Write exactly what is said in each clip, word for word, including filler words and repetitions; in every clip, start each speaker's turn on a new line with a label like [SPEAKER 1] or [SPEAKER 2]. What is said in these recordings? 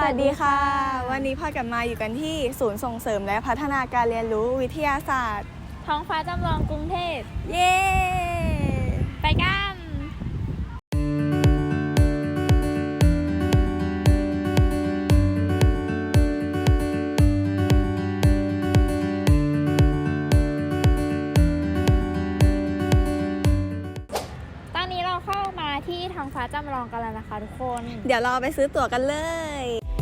[SPEAKER 1] วัสดีค่ะวันนี้พอกันมาอยู่กันที่ศูนย์ส่งเสริมและพัฒนาการเรียนรู้วิทยาศาสตร์
[SPEAKER 2] ท้องฟ้าจำลองกรุงเทพ
[SPEAKER 1] เย้
[SPEAKER 2] ไปกันตอนนี้เราเข้ามาที่ท้องฟ้าจำลองกันแล้วนะคะทุกคน
[SPEAKER 1] เดี๋ยวเราไปซื้อตั๋วกันเลย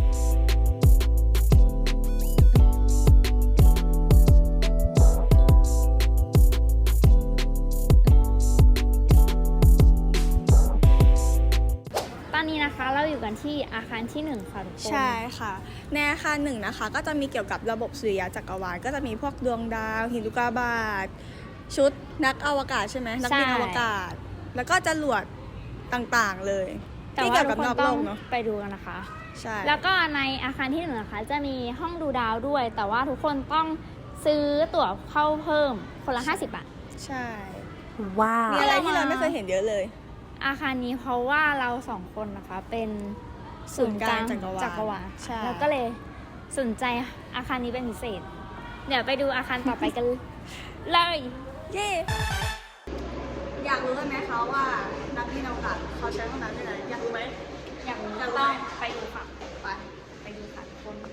[SPEAKER 2] ตอนนี้นะคะเราอยู่กันที่อาคารที่หนึ่งค่ะทุกคน
[SPEAKER 1] ใช่ค่ะในอาคารหนึ่งนะคะก็จะมีเกี่ยวกับระบบสุริยะจักรวาลก็จะมีพวกดวงดาวหินอุกกาบาตชุดนักอวกาศใช่ไหมนักบินอวกาศแล้วก็จรวดต่างๆเลย
[SPEAKER 2] ที่เกี่ยวกับนอกโลกเนาะไปดูกันนะคะ
[SPEAKER 1] ใช่
[SPEAKER 2] แล้วก็ในอาคารที่หนึ่งนะคะจะมีห้องดูดาวด้วยแต่ว่าทุกคนต้องซื้อตั๋วเข้าเพิ่มคนละห้าสิบบาท
[SPEAKER 1] ใช่
[SPEAKER 2] ว้าว
[SPEAKER 1] มีอะไรที่เราไม่เคยเห็นเยอะเลย
[SPEAKER 2] อาคารนี้เพราะว่าเราสองคนนะคะเป็นศูนย์กลางจักรวาลแล้วก็เลยสนใจอาคารนี้เป็นพิเศษเดี๋ยวไปดูอาคารต่อไปกันเลย
[SPEAKER 1] เย้อยากรู้ไหมคะว่านักบินอวกาศเขาใช้ห้องน้ำที่ไหนอยากรู้ไหม
[SPEAKER 2] อยากรู้ต้องไปดูค่ะ
[SPEAKER 1] ไป
[SPEAKER 2] ไปดูค่ะทุกคน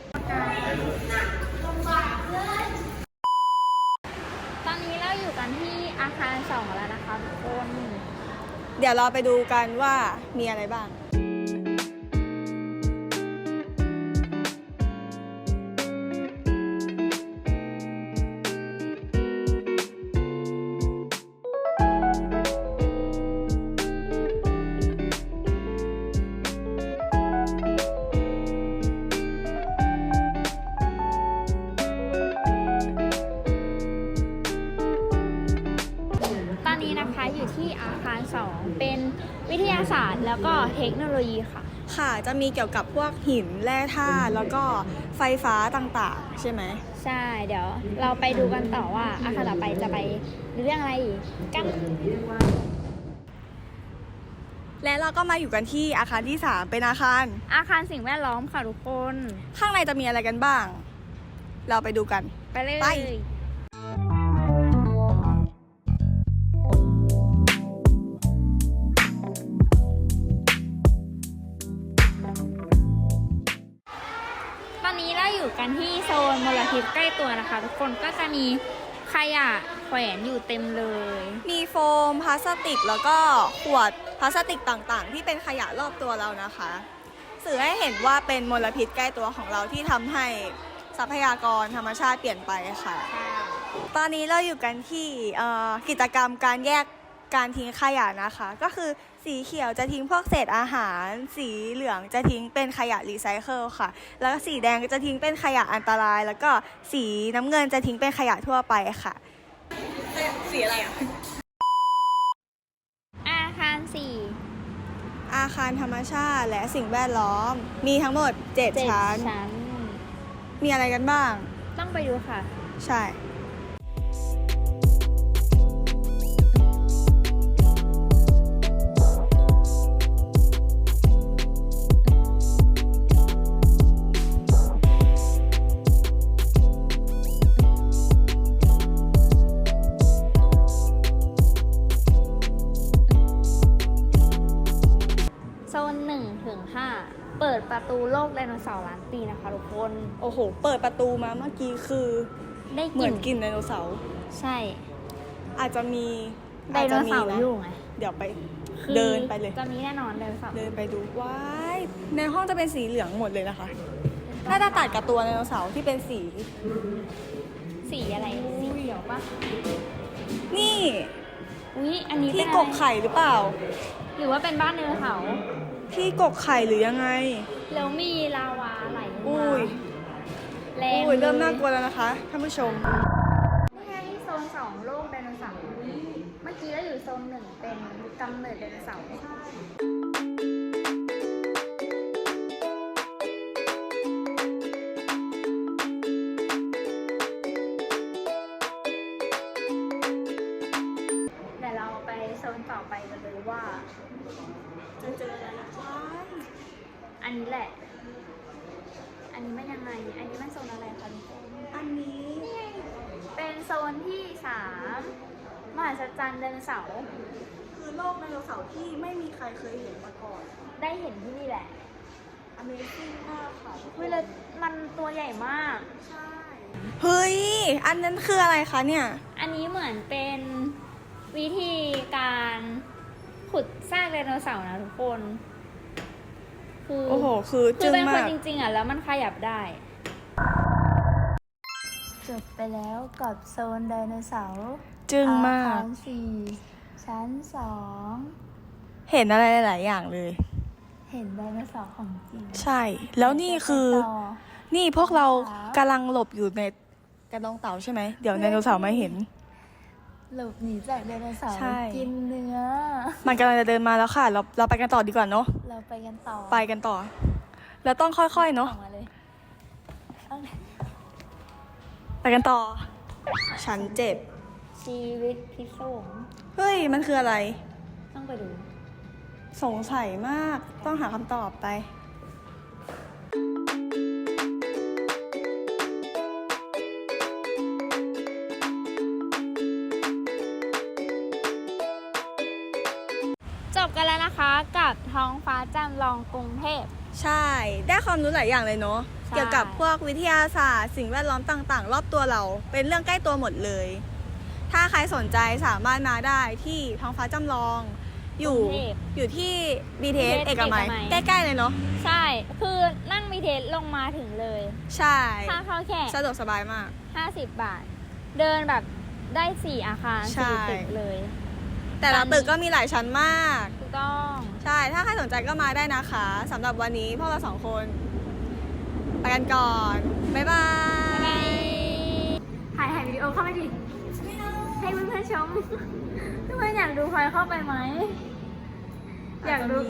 [SPEAKER 2] ตอนนี้เราอยู่กันที่อาคารสองแล้วนะคะทุกคน
[SPEAKER 1] เดี๋ยวเราไปดูกันว่ามีอะไรบ้าง
[SPEAKER 2] อยู่ที่อาคารสองเป็นวิทยาศาสตร์แล้วก็เทคโนโลยีค่ะ
[SPEAKER 1] ค่ะจะมีเกี่ยวกับพวกหินแร่ธาตุแล้วก็ไฟฟ้าต่างๆใช่ไหม
[SPEAKER 2] ใช่เดี๋ยวเราไปดูกันต่อว่าอาคารต่อไปจะไปเรื่องอะไรกัน
[SPEAKER 1] และเราก็มาอยู่กันที่อาคารที่สามเป็นอาคาร
[SPEAKER 2] อาคารสิ่งแวดล้อมค่ะทุกคน
[SPEAKER 1] ข้างในจะมีอะไรกันบ้างเราไปดูกัน
[SPEAKER 2] ไปเลย
[SPEAKER 1] ไป
[SPEAKER 2] ตอนนี้เราอยู่กันที่โซนมลพิษใกล้ตัวนะคะทุกคนก็จะมีขยะแขวนอยู่เต็มเลย
[SPEAKER 1] มีโฟมพลาสติกแล้วก็ขวดพลาสติกต่างๆที่เป็นขยะรอบตัวเรานะคะสื่อให้เห็นว่าเป็นมลพิษใกล้ตัวของเราที่ทำให้ทรัพยากรธรรมชาติเปลี่ยนไปค่ะตอนนี้เราอยู่กันที่กิจกรรมการแยกการทิ้งขยะนะคะก็คือสีเขียวจะทิ้งพวกเศษอาหารสีเหลืองจะทิ้งเป็นขยะรีไซเคิลค่ะแล้วก็สีแดงจะทิ้งเป็นขยะอันตรายแล้วก็สีน้ำเงินจะทิ้งเป็นขยะทั่วไปค่ะสีอะไรอ่ะ
[SPEAKER 2] อาคารสี่
[SPEAKER 1] อาคารธรรมชาติและสิ่งแวดล้อมมีทั้งหมดเจ็ดชั้นมีอะไรกันบ้าง
[SPEAKER 2] ต้องไปดูค่ะ
[SPEAKER 1] ใช่
[SPEAKER 2] โซนหนึ่งถึงห้าเปิดประตูโลกไดโนเสาร์ล้านปีนะคะทุกคน
[SPEAKER 1] โอ้โหเปิดประตูมาเมื่อกี้คือ
[SPEAKER 2] ได้
[SPEAKER 1] เหมือนกินไดโนเสาร์
[SPEAKER 2] ใช่
[SPEAKER 1] อาจจะมี
[SPEAKER 2] ไดโนเสาร์อยู่ไง
[SPEAKER 1] เดี๋ยวไปเดินไปเลย
[SPEAKER 2] จะมีแน่นอนไดโนเสาร์
[SPEAKER 1] เดินไปดูว้ายในห้องจะเป็นสีเหลืองหมดเลยนะคะน่าจะตัดกับตัวไดโนเสาร์ที่เป็นสี
[SPEAKER 2] สีอะไรสีเขียวปะ
[SPEAKER 1] นี่
[SPEAKER 2] อุ้ยอันนี้
[SPEAKER 1] ที่กกไข่หรือเปล่า
[SPEAKER 2] หรือว่าเป็นบ้านไดโนเสาร์
[SPEAKER 1] ที่กกไข่หรือยังไง
[SPEAKER 2] แล้วมีลาวาไหล
[SPEAKER 1] อุ้ย
[SPEAKER 2] แรง
[SPEAKER 1] อุ้ยเริ่มน่ากลัวแล้วนะคะท่านผู้ชม
[SPEAKER 2] นี่ไงโซนสองโลกไดโนเสาร์เมื่อกี้เราอยู่โซนหนึ่งเป็นกำเนิดไดโนเสาร์เดี๋ยวเราไปโซนต่อไปกันเลยว่า
[SPEAKER 1] จะเจออะไรบ้าง
[SPEAKER 2] อันนี้แหละนี้มันยังไง อันนี้มันโซนอะไรคะทุกคน
[SPEAKER 1] อันนี้
[SPEAKER 2] เป็นโซนที่สามมหัศจรรย์ไดโนเสาร์
[SPEAKER 1] คือโลกไดโนเสาร์ที่ไม่มีใครเคยเห็นมาก่อน
[SPEAKER 2] ได้เห็นที่นี่แหละ
[SPEAKER 1] Amazing มากค่ะ
[SPEAKER 2] เวลามันตัวใหญ่มาก
[SPEAKER 1] ใช่ เฮ้ย อันนั้นคืออะไรคะเนี่ย
[SPEAKER 2] อันนี้เหมือนเป็นวิธีการขุดซากไดโนเสาร์นะทุกคน คือ
[SPEAKER 1] โอ้โห คือ
[SPEAKER 2] คื
[SPEAKER 1] จึ้
[SPEAKER 2] อง เป็นค
[SPEAKER 1] มาน ก
[SPEAKER 2] จริงๆอ่ะแล้วมันขยับได้ จบไปแล้วกับโซนไดโนเสาร์
[SPEAKER 1] จึ้งมาก
[SPEAKER 2] อาคารสี่ชั้นสอง
[SPEAKER 1] เห็นอะไรหลายๆอย่างเลย
[SPEAKER 2] เห็นไดโนเสาร์ของจริง
[SPEAKER 1] ใช่ แล้วนี่คือ
[SPEAKER 2] ต่อ
[SPEAKER 1] นี่พวกเรา
[SPEAKER 2] ครับ
[SPEAKER 1] กำลังหลบอยู่ในกระดองเต่าใช่ไหม เดี๋ยวไดโนเสาร์มาเห็น
[SPEAKER 2] หลบหนีจากไดโนเสาร์
[SPEAKER 1] ใช่
[SPEAKER 2] กินเนื้อ
[SPEAKER 1] มันกำลังจะเดินมาแล้วค่ะ เราเราไปกันต่อดีกว่าเนาะ
[SPEAKER 2] เราไปกันต่อ
[SPEAKER 1] ไปกันต่อ แล้วต้องค่อยๆเนาะ
[SPEAKER 2] ออกมาเลยเอาเลย
[SPEAKER 1] ไปกันต่อ ฉันเจ็บ
[SPEAKER 2] ชีวิตพิศวง
[SPEAKER 1] เฮ้ย มันคืออะไร
[SPEAKER 2] ต้องไปดู
[SPEAKER 1] สงสัยมาก ต้องหาคำตอบไป
[SPEAKER 2] จบกันแล้วนะคะกับท้องฟ้าจำลองกรุงเทพ
[SPEAKER 1] ใช่ ได้ความรู้หลายอย่างเลยเนาะ
[SPEAKER 2] ใช่
[SPEAKER 1] เกี่ยวกับพวกวิทยาศาสตร์ สิ่งแวดล้อมต่างๆ รอบตัวเรา เป็นเรื่องใกล้ตัวหมดเลย ถ้าใครสนใจสามารถมาได้ที่ท้องฟ้าจำลอง อยู่
[SPEAKER 2] กรุงเทพ
[SPEAKER 1] อยู่ที่ บี ที เอส
[SPEAKER 2] บี ที เอส
[SPEAKER 1] เอกมัย
[SPEAKER 2] เอกมัย
[SPEAKER 1] ใกล้ๆเลยเนาะ
[SPEAKER 2] ใช่ คือนั่งมีเทสลงมาถึงเลย
[SPEAKER 1] ใช่
[SPEAKER 2] ค่าเข้าแค่
[SPEAKER 1] สะดวกสบายมาก
[SPEAKER 2] ห้าสิบบาท เดินแบบได้สี่อาคาร
[SPEAKER 1] ใช่
[SPEAKER 2] สี่ตึกเลย
[SPEAKER 1] แต่ละตึกก็มีหลายชั้นมาก
[SPEAKER 2] ถูกต้อง
[SPEAKER 1] ใช่ ถ้าใครสนใจก็มาได้นะคะสำหรับวันนี้พวกเราสองคน ไปกันก่อน บ๊ายบาย
[SPEAKER 2] ถ่ายถ่ายวิดีโอเข้าไปดิ ให้เพื่อนๆชม เพื่อนๆอยากดูพลอยเข้าไปไหม อยากดู